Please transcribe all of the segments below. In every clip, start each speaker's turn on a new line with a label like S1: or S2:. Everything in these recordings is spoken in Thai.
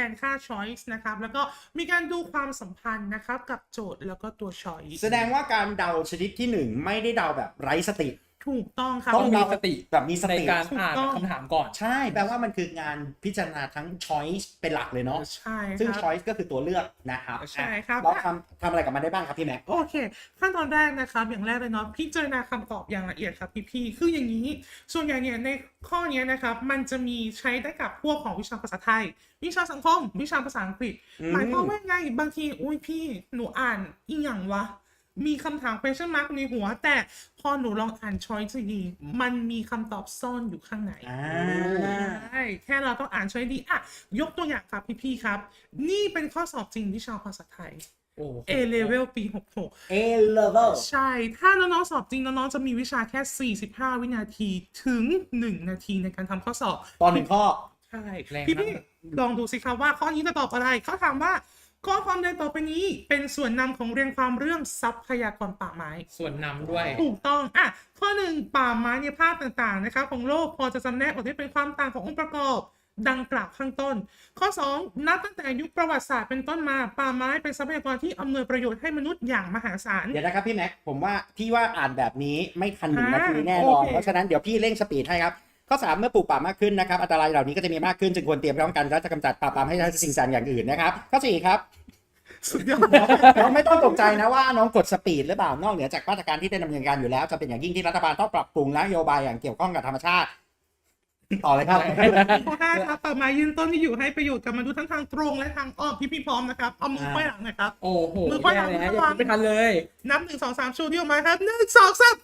S1: นค่า choice นะครับแล้วก็มีการดูความสัมพันธ์นะครับกับโจทย์แล้วก็ตัว choice
S2: แสดงว่าการเดาชนิดที่ 1ไม่ได้เดาแบบไร้สติ
S1: ถูกต้องครับ
S3: ต้องมีสติ
S2: แบบมีส
S3: ใน
S2: ติ
S3: การอ่านคำถามก่อน
S2: ใช่แปลว่ามันคืองานพิจารณาทั้ง choice เป็นหลักเลยเนาะ
S1: ใช่ครับ
S2: ซึ่ง choice ก็คือตัวเลือกนะครับ
S1: ใช่ครับ
S2: เราทำอะไรกับมันได้บ้างครับพี่แม็ก
S1: โอเคขั้นตอนแรกนะครับอย่างแรกเลยเนาะพิจารณาคำตอบอย่างละเอียดครับพี่ๆคืออย่างนี้ส่วนใหญ่เนี่ยในข้อนี้นะครับมันจะมีใช้ได้กับพวกของวิชาภาษาไทย วิชาสังคม วิชาภาษาอังกฤษหมายความว่าไงบางทีอุ้ยพี่หนูอ่านอีหยังวะมีคำถาม question mark ในหัวแต่พอหนูลองอ่าน choice ดีมันมีคำตอบซ่อนอยู่ข้างในใช่แค่เราต้องอ่าน choice ดีอ่ะยกตัวอย่างครับพี่ๆครับนี่เป็นข้อสอบจริงวิชาภาษาไทยA level ปี66
S2: A level
S1: ใช่ ถ้าน้องๆสอบจริงน้องๆจะมีวิชาแค่45วินาทีถึง1นาทีในการทำข้อสอบ
S2: ตอน1ข้อ
S1: ใช่พี่ๆลองดูสิครับว่าข้อนี้จะตอบอะไรเขาถามว่าข้อความใดต่อไปนี้เป็นส่วนนำของเรียงความเรื่องทรัพยากรป่าไม้
S3: ส่วนนำด้วย
S1: ถูกต้องอ่ะข้อ1ป่าไม้ในภาคต่างๆนะคะของโลกพอจะจำแนกออกได้เป็นความต่างขององค์ประกอบดังกล่าวข้างต้นข้อ2นับตั้งแต่ยุคประวัติศาสตร์เป็นต้นมาป่าไม้เป็นทรัพยากรที่อำนวยประโยชน์ให้มนุษย์อย่างมหาศาล
S2: เดี๋ยวนะครับพี่แม็กผมว่าพี่ว่าอ่านแบบนี้ไม่ทัน1 นาทีแน่นอนเพราะฉะนั้นเดี๋ยวพี่เร่งสปีดให้ครับข้อ3เมื่อปลูกป่ามากขึ้นนะครับอันตรายเหล่านี้ก็จะมีมากขึ้นจึงควรเตรียมพร้อมกันและจะกำจัดปราบปรามให้ได้สิ่งต่างอย่างอื่นนะครับข้อ4ครับ
S1: สุดยอด
S2: น้องไม่ต้องตกใจนะว่าน้องกดสปีดหรือเปล่านอกเหนือจากมาตรการที่ได้ดำเนินการอยู่แล้วจะเป็นอย่างยิ่งที่รัฐบาลต้องปรับปรุงนโยบายอย่างเกี่ยวข้องกับธรรมชาติต่อเลยครับ
S1: ข้อ5ครับป่าไม้ยืนต้นที่อยู่ให้ประโยชน์กับมนุษย์ทั้งทางตรงและทางอ้อมพี่พร้อมนะครับเอามือไขว้หลังนะครับ
S3: โอ้โห
S1: มือไขว้หลัง
S3: แล้วยังไม่ทันเลย
S1: นับ1 2 3ชูนิ้วมาครับ1 2 3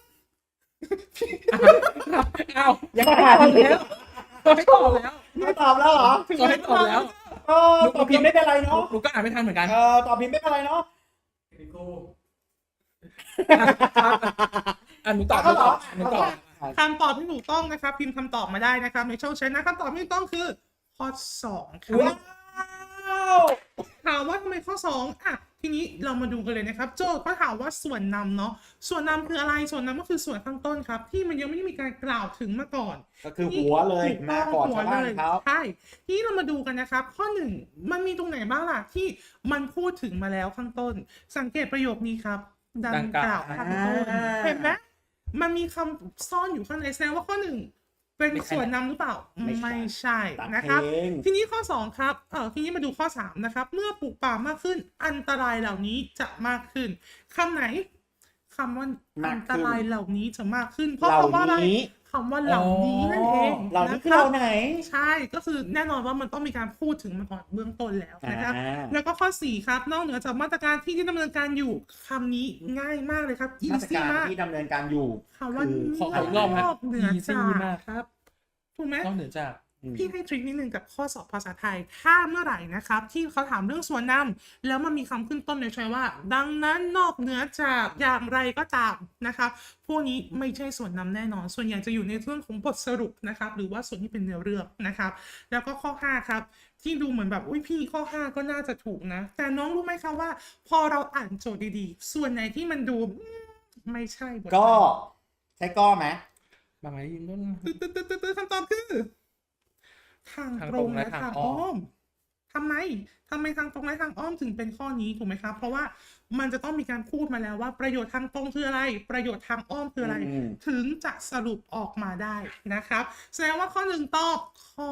S3: อ้าวยังไม่ตอบแล้วไม่ตอบแล้ว
S2: ไม่ตอบแล้วเหรอ
S3: ไม่ตอบแล้ว
S2: ตอบผิดไม่เป็นไรเนาะ
S3: หนูก็อ่านไม่ทันเหมือนกัน
S2: ตอบผิดไม่เป็นไรเนาะ
S3: หนูตอบ
S1: คำตอบที่ถูกต้องนะครับพิมพ์คำตอบมาได้นะครับในช่องแชทนะคำตอบที่ถูกต้องคือข้อ2ครับถามว่าทำไมข้อ2อ่ะทีนี้เรามาดูกันเลยนะครับโจทย์ก็ถามว่าส่วนนำเนาะส่วนนำคืออะไรส่วนนำก็คือส่วนข้างต้นครับที่มันยังไม่ได้มีการกล่าวถึงมาก่อน
S2: ก็คือหัวเลยมาก่อนชาวบ้านเขา
S1: ใช่ที่เรามาดูกันนะครับข้อ1มันมีตรงไหนบ้างล่ะที่มันพูดถึงมาแล้วข้างต้นสังเกตประโยคนี้ครับดังกล่าวข้างต้นเห็นไหมมันมีคำซ่อนอยู่ข้างในแสดงว่าข้อ1เป็นส่วนนำหรือเปล่าไม่ใช่นะครับทีนี้ข้อ2ครับทีนี้มาดูข้อ3นะครับเมื่อปลูกป่ามากขึ้นอันตรายเหล่านี้จะมากขึ้นคำไหนคำว่าอันตรายเหล่านี้จะมากขึ้นเพราะคำว่าอะไรคำว่าเหล่านี้นั่นเอง
S2: เหล่านี้คือเราไหน
S1: ใช่ก็คือแน่นอนว่ามันต้องมีการพูดถึงมาก่อนเบื้องต้นแล้วนะครับแล้วก็ข้อ4ครับนอกเหนือจากมาตรการที่ดำเนินการอยู่คำนี้ง่ายมากเลยครับ
S2: มาตรการที่ดำเนินการอยู่
S1: คำว่านอกเหนือจากครับถูกไหม
S3: นอกเหนือจาก
S1: พี่ให้ทริคนิดนึงกับข้อสอบภาษาไทยถ้าเมื่อไหร่นะครับที่เขาถามเรื่องส่วนนำแล้วมันมีคำขึ้นต้นในช้อยว่าดังนั้นนอกเหนือจากอย่างไรก็ตามนะครับพวกนี้ไม่ใช่ส่วนนำแน่นอนส่วนใหญ่จะอยู่ในเรื่องของบทสรุปนะครับหรือว่าส่วนที่เป็นเนื้อเรื่องนะครับแล้วก็ข้อ5ครับที่ดูเหมือนแบบอุ้ยพี่ข้อ5ก็น่าจะถูกนะแต่น้องรู้ไหมคะว่าพอเราอ่านโจทย์ดีๆส่วนไหนที่มันดูไม่ใช่
S2: ก็ใช่ก็ไหม
S3: บางไงยินต้น
S1: คำตอบคือทางตรงและทางอ้อมทำไมทางตรงและทางอ้อมถึงเป็นข้อนี้ถูกไหมครับเพราะว่ามันจะต้องมีการพูดมาแล้วว่าประโยชน์ทางตรงคืออะไรประโยชน์ทางอ้อมคืออะไรถึงจะสรุปออกมาได้นะครับแสดงว่าข้อ1ตอบข้อ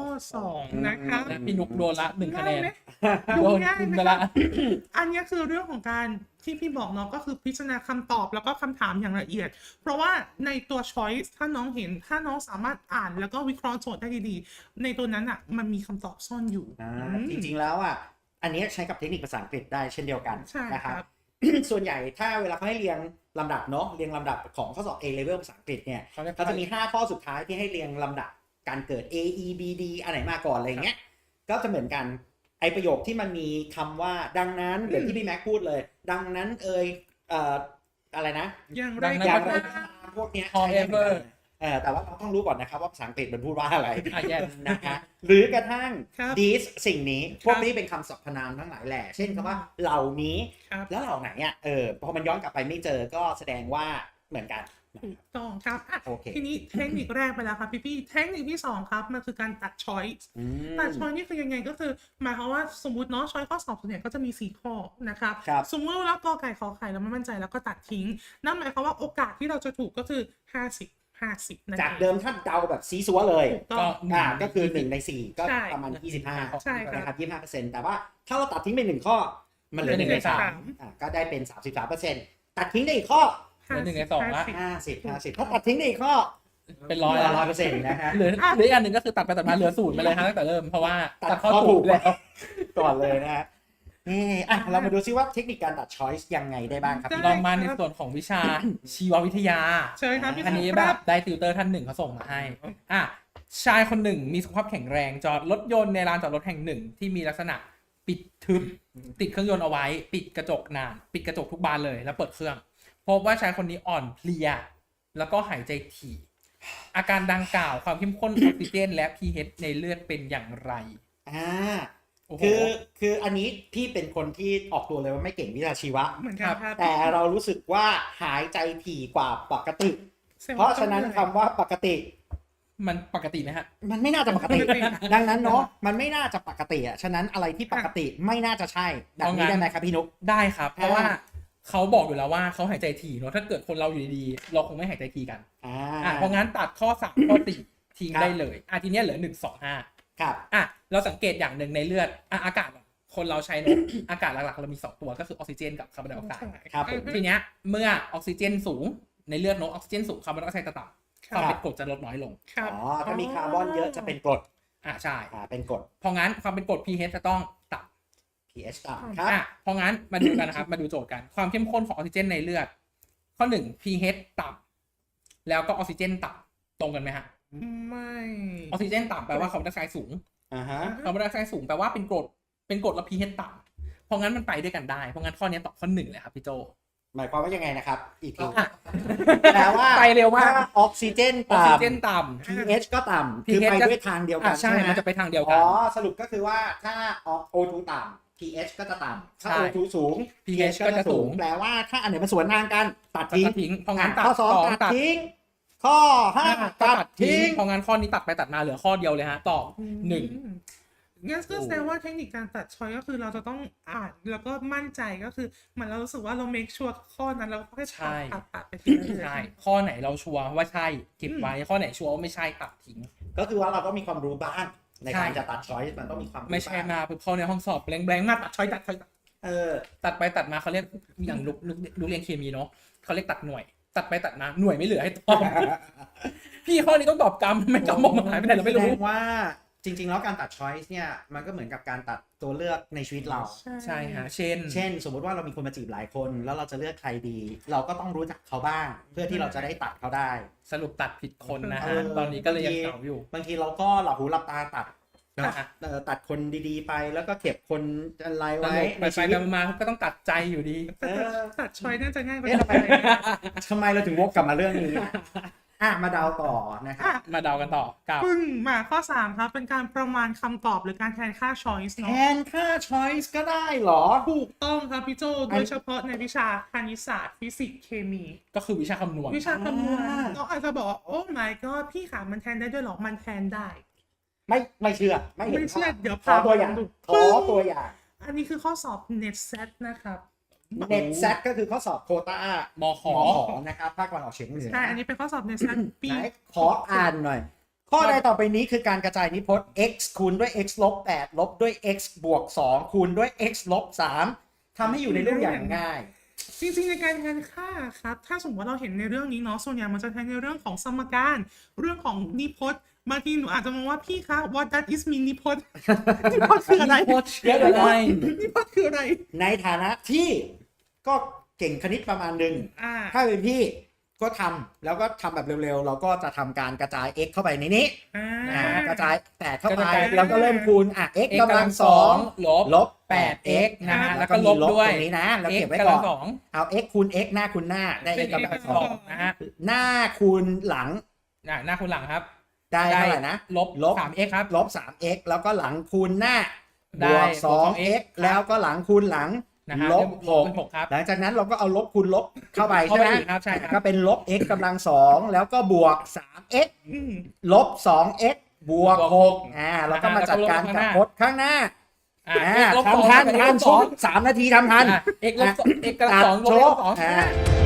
S1: 2นะครับ
S3: พี่นุกโดนละ1คะแนน
S1: ดูง่ายไหมครับอันนี้คือเรื่องของการที่พี่บอกน้องก็คือพิจารณาคำตอบแล้วก็คำถามอย่างละเอียดเพราะว่าในตัว choice ถ้าน้องเห็นถ้าน้องสามารถอ่านแล้วก็วิเคราะห์โจทย์ได้ดีๆในตัวนั้นอ่ะมันมีคำตอบซ่อนอยู่
S2: จริงๆแล้วอ่ะอันนี้ใช้กับเทคนิคภาษาอังกฤษได้เช่นเดียวกันนะครับส่วนใหญ่ถ้าเวลาเขาให้เรียงลำดับเนาะเรียงลำดับของข้อสอบ A level ภาษาอังกฤษเนี่ยเขาจะมี5ข้อสุดท้ายที่ให้เรียงลำดับการเกิด A E B D อันไหนมาก่อนอะไรเงี้ยก็จะเหมือนกันไอประโยคที่มันมีคำว่าดังนั้นเหมือนที่พี่แม็กพูดเลยดังนั้นอะไรนะ
S1: อย่างไร
S2: พวกเนี้ย
S3: however
S2: แต่ว่าเราต้องรู้ก่อนนะครับว่าภาษาอังกฤษมันพูดว่าอะไรนะคะหรือกระทั่ง this สิ่งนี้พวกนี้เป็นคำสรรพนามทั้งหลายแหละเช่นคำว่าเหล่านี้แล้วเหล่าไหนอ่ะพอมันย้อนกลับไปไม่เจอก็แสดงว่าเหมือนกัน
S1: ถูกต้องครับอ่ะ
S2: โอเค
S1: ทีนี้เทคนิคแรกไปแล้วครับพี่เทคนิคที่2ครับมันคือการตัด choice ตัด choice นี่คือยังไงก็คือหมายความว่าสมมติเนาะ choice ข้อสอบส่วนใหญ่ก็จะมี4ข้อนะครับ
S2: ครับ
S1: สมมติว่าเรากอไก่ขอไข่แล้วไม่มั่นใจแล้วก็ตัดทิ้งนั่นหมายความว่าโอกาสที่เราจะถูกก็คือ50นั่น
S2: จากเดิมถ้าเดาแบบซีซัวเลย
S1: ถูกต้อง
S2: ก็คือ1ใน4ก็
S1: ใช่
S2: ประมาณ25
S1: ใช่ครับ
S2: นะครับ25%แต่ว่าถ้าเราตัดทิ้งไป1ข้อมันเหลือ
S3: เหลือ
S2: 1ใน
S3: 1ใน
S2: 3ก็ได้เป็น33%ตัดทิ้งได้อีกข้อ
S3: เหลือ1ใน2ละ
S2: 50ถ้าตัดทิ้งได้อีกข้อ
S3: เป็นร้อยละ
S2: 100%นะฮะ
S3: เหลืออีกอันหนึ่งก็คือตัดไปตัดมาเหลือ0ไปเลยครับตั้งแต่เริ่มเพราะว่า
S2: ตัดข้อ
S3: ถู
S2: ถู
S3: ก
S2: ก
S3: แล้ว
S2: ก่อนเลยนะฮะนี่เรามาดูซิว่าเทคนิคการตัด choice ยังไงได้บ้างครับ
S1: ได้
S3: ลองมาในส่วนของวิชาชีววิทยา
S1: เชิญครับพี่
S3: อันนี้
S1: ค
S3: แบ
S1: รับบ
S3: ได้ติวเตอร์ท่านหนึ่งเขาส่งมาให้ชายคนหนึ่งมีสุขภาพแข็งแรงจอดรถยนต์ในลานจอดรถแห่งหนึ่งที่มีลักษณะปิดทึบติดเครื่องยนต์เอาไว้ปิดกระจกนานปิดกระจกทุกบานเลยแล้วเปิดเครื่องพบว่าชายคนนี้อ่อนเพลียแล้วก็หายใจถี่อาการดังกล่าวความเข้มข้นออกซิเจนและ pH ในเลือดเป็นอย่างไรโอ้โห
S2: คืออันนี้พี่เป็นคนที่ออกตัวเลยว่าไม่เก่งวิชาชีวะ
S1: เหมือนกันครับ
S2: แต่เรารู้สึกว่าหายใจถี่กว่าปกติ เพราะฉะนั้นคำว่าปกติ
S3: มันปกติไหมฮะ
S2: มันไม่น่าจะปกติ ดังนั้นเนาะมันไม่น่าจะปกติอ่ะฉะนั้นอะไรที่ปกติไม่น่าจะใช่แบบนี้ได้ไหมครับพี่นุ๊ก
S3: ได้ครับ เพราะว่าเขาบอกอยู่แล้วว่าเขาหายใจถี่เนอะถ้าเกิดคนเราอยู่ดีๆเราคงไม่หายใจถี่กันเพราะงั้นตัดข้อ3ข้อ4ทิ้งได้เลยทีนี้เหลือ1 2 5
S2: ครับ
S3: เราสังเกตอย่างหนึ่งในเลือดอากาศคนเราใช้เนอะ อากาศหลักๆเรามี2ตัวก็คือออกซิเจนกับคาร์บอนไดออกไซด์
S2: ครับผม
S3: ทีเนี้ยเมื่อออกซิเจนสูงในเลือดเนอะออกซิเจนสูงคาร์บอนไดออกไซด์จะต่ำความเป็นกรดจะลดน้อยลง
S1: ครับ
S2: ถ้ามีคาร์บอนเยอะจะเป็นกรด
S3: ใช่
S2: เป็นกรด
S3: เพราะงั้นความเป็นกรด pH จะต้องต่ำ
S2: pH ต่ำครับ
S3: เพราะงั้นมาดูกันนะครับ มาดูโจทย์กันความเข้มข้นของออกซิเจนในเลือดข้อ1 pH ต่ำแล้วก็ออกซิเจนต่ำตรงกันไหมฮะ
S1: ไม่
S3: ออกซิเจนต่ำแปลว่าคาร์บอนไดออกไซด์สูง
S2: ฮะ
S3: คาร์บอนไดออกไซด์สูงแปลว่าเป็นกรดแล้ว pH ต่ำเพราะงั้นมันไปด้วยกันได้เพราะงั้นข้อนี้ตอบข้อ1เลยครับพี่โจ
S2: หมายความว่ายังไงนะครับอีกทีแปลว่า
S3: ไปเร็วมาก
S2: ถ้ออกซิเจน
S3: ออกซิเจน
S2: ต่ำ
S3: ต่ำ
S2: pH ก็ต่ำคือไปด้วยทางเดียวกัน
S3: ใช่
S2: ไหม
S3: มันจะไปทางเดียวกัน
S2: สรุปก็คือว่าถ้า O2 ต่ำ pH ก็จะต่ำถ้า
S3: ใช่
S2: O2 สูง
S3: pH ก็จะสูง
S2: แปลว่าถ้าอันไหนมันสวนทางกันตัด
S3: ตั
S2: ทิ้ง
S3: ดทิ้งเพราะงั้น
S2: ข้อ2ตัดทิ้งข้อ5ตัดทิ้ง
S3: เพราะงั้นข้อนี้ตัดไปตัดมาเหลือข้อเดียวเลยฮะตอบ1
S1: งั้นก็แสดงว่าเทคนิคการตัดช้อยก็คือเราจะต้องอ่านแล้วก็มั่นใจก็คือเหมือนเรารู้สึกว่าเรา make sure ข้อนั้นแล้วก็แค่ตัดไปทีละ
S3: ใช่ข้อไหนเราชัวร์ว่าใช่เก็บไว้ข้อไหนชัวร์ว่าไม่ใช่ตัดทิ้ง
S2: ก็คือว่าเราก็มีความรู้บ้างในการจะตัดช้อยมันต้องมีความรู้
S3: ไม่ใช่
S2: บ้าง
S3: มาปุ๊บเข้าในห้องสอบแบงๆมาตัดช้อยตัดตัดไปตัดมาเขาเรียกอย่างลูกเรียนเคมีเนาะเขาเรียกตัดหน่วย ตัดไปตัดมาหน่วยไม่เหลือให้ตอบ พี่ข้อนี้ต้องตอบกรรมไม่กรรมบอกมาหายไปไหนเราไม่รู้
S2: แสดงว่าจริงๆแล้วการตัด choice เนี่ยมันก็เหมือนกับการตัดตัวเลือกในชีวิตเรา
S3: ใช่ฮะเช่น
S2: สมมติว่าเรามีคนมาจีบหลายคนแล้วเราจะเลือกใครดี เราก็ต้องรู้จักเขาบ้าง เพื่อที่เราจะได้ตัดเขาได้
S3: สรุปตัดผิดคนนะฮะตอนนี้ก็เลยยังเก่าอยู่
S2: บางทีเราก็หลับหูหลับตาตัดตัดคนดีๆไปแล้วก็เก็บคนอะไรไว้ในชีวิต
S3: มาก็ต้องตัดใจอยู่ดี
S1: ตัดช้อยน่าจะง่ายกว่า
S2: ทำไมเราถึงวกกลับมาเรื่องนี้มาเดาต่อนะครับ
S3: มาเดากันต่อกับ
S1: ปึ้งมาข้อ3ครับเป็นการประมาณคำตอบหรือการแทนค่า choice
S2: แท
S1: เนาะ
S2: นค่า choice ก็ได้เหรอ
S1: ถูกต้องครับพี่โจโดยเฉพาะในวิชาคณิตศาสตร์ฟิสิกส์เคมี
S3: ก็คือวิชาคำนวณ
S1: วิชาคำนวณเราอาจจะบอกว่าโอ้ my god พี่ขามันแทนได้ด้วยหรอมันแทนได้
S2: ไม่เชื่อไม่เห็น
S1: ไม่เชื่อเดี๋ยว
S2: ขอตัวอย่างขอตัวอย่าง
S1: อันนี้คือข้อสอบ net set นะครับ
S2: net set ก็คือข้อสอบโควต้าม
S3: ข
S2: นะครับภาคตะวันออกเฉียงเหนือ
S1: ใช่อันนี้เป็นข้อสอบ net set ปี
S2: ไหนขออ่านหน่อย ข้อใดต่อไปนี้คือการกระจายนิพจน์ x คูณด้วย x ลบ8ลบด้วย x บวก2คูณด้วย x ลบ3ทำให้อยู่ในรูปอย่างง่าย
S1: จริงๆในการแทนค่าครับถ้าสมมติว่าเราเห็นในเรื่องนี้เนาะส่วนใหญ่มันจะแทนในเรื่องของสมการเรื่องของนิพจน์บางทีหนูอาจจะมองว่าพี่คะ what that is mean นิพจน์ นิพจน์คืออะไร
S3: นิพจน์คืออะไร
S1: นิพจน์คืออะไร
S2: ในฐานะที่ก็เก่งคณิตประมาณหนึ่งถ้าเป็นพี่ก็ทำแล้วก็ทำแบบเร็วๆเราก็จะทำการกระจาย x เข้าไปในนี้กระจาย8เข้าไปแล้วก็เริ่มคูณx กำลัง2ลบ 8x
S3: นะฮะ
S2: แล้
S3: แล้ว ว
S2: ก็
S3: ก็
S2: ล
S3: ล
S2: บบ
S3: ด้วย
S2: ตรงนี้นะแล้ว
S3: x
S2: เก็บไว้
S3: กำ
S2: ก่
S3: ลั
S2: อง น
S3: สอง
S2: เอา x คูณ x หน้าคูณหน้าได้ x กำลัง2
S3: นะฮะ
S2: หน้าคูณหลัง
S3: หน้าคุณหลังครับ
S2: ได้เท่าไหร่นะ
S3: ลบ 3x ครับ
S2: ลบ 3x แล้วก็หลังคูณหน้าบ
S3: ได้
S2: วก 2x แล้วก็หลังคูณหลัง
S3: นะฮะ
S2: ลบ
S3: เป็น6ครับ
S2: หลังจากนั้นเราก็เอาลบคูณลบเข้าไป
S3: เข้า
S2: ใช่
S3: ไป
S2: ไหม
S3: อีกครับใช่ครับ
S2: ก็เป็นลบ x กำลัง2แล้วก็บวก 3x ลบ 2x บวก6เราก็มาจัดการกับพจน์ข้างหน้า
S3: x ลบ
S2: ทำทัน
S3: 2
S2: ทันชุบ3 นาทีทำทัน
S3: x ลบ2 x กำลัง2ลบ2